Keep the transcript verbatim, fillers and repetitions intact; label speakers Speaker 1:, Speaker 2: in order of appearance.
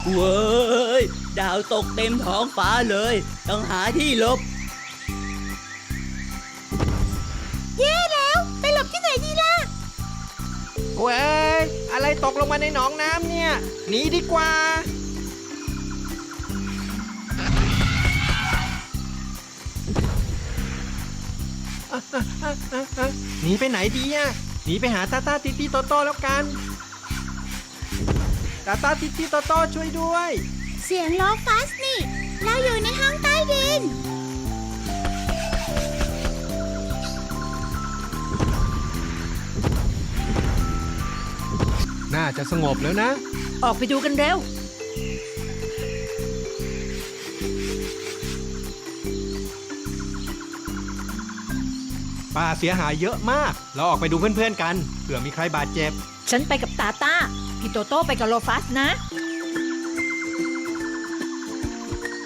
Speaker 1: เว้ยดาวตกเต็มท้องฟ้าเลยต้องหาที่หลบ
Speaker 2: แย่แล้วไปหลบที่ไหนดีล่ะ
Speaker 3: เว้ยอะไรตกลงมาในหนองน้ำเนี่ยหนีดีกว่าหนีไปไหนดีอ่ะหนีไปหาตาตาติติโตโต้แล้วกันตาตาติติโตโต้ช่วยด้วย
Speaker 2: เสียงโลฟัสนี่เราอยู่ในห้องใต้ดิน
Speaker 3: น่าจะสงบแล้วนะ
Speaker 4: ออกไปดูกันเร็ว
Speaker 3: ป่าเสียหายเยอะมากเราออกไปดูเพื่อนๆกันเผื่อมีใครบาดเจ็บ
Speaker 4: ฉันไปกับตาตาพี่โตโต้ไปกับโลฟัสนะ